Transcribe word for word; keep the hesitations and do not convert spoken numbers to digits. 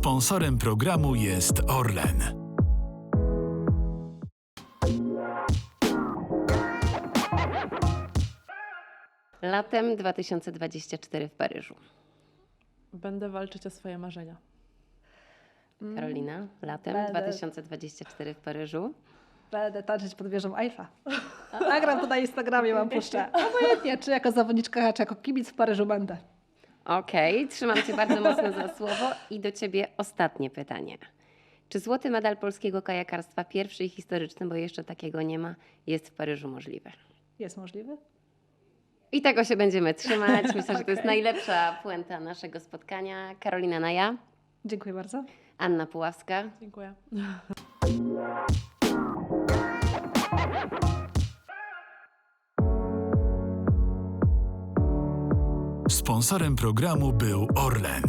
Sponsorem programu jest Orlen. Latem dwa tysiące dwudziestego czwartego w Paryżu. Będę walczyć o swoje marzenia. Karolina, latem Będę- dwa tysiące dwudziestego czwartego w Paryżu. Będę tańczyć pod wieżą Eiffla. Nagram to na Instagramie, mam puszczę. Obojętnie, czy jako zawodniczka, czy jako kibic w Paryżu będę. Okej, trzymam Cię bardzo mocno za słowo i do Ciebie ostatnie pytanie. Czy złoty medal polskiego kajakarstwa, pierwszy i historyczny, bo jeszcze takiego nie ma, jest w Paryżu możliwy? Jest możliwy? I tego się będziemy trzymać. Myślę, że to jest Okej. najlepsza puenta naszego spotkania. Karolina Naja, Dziękuję bardzo. Anna Puławska. Dziękuję. Sponsorem programu był Orlen.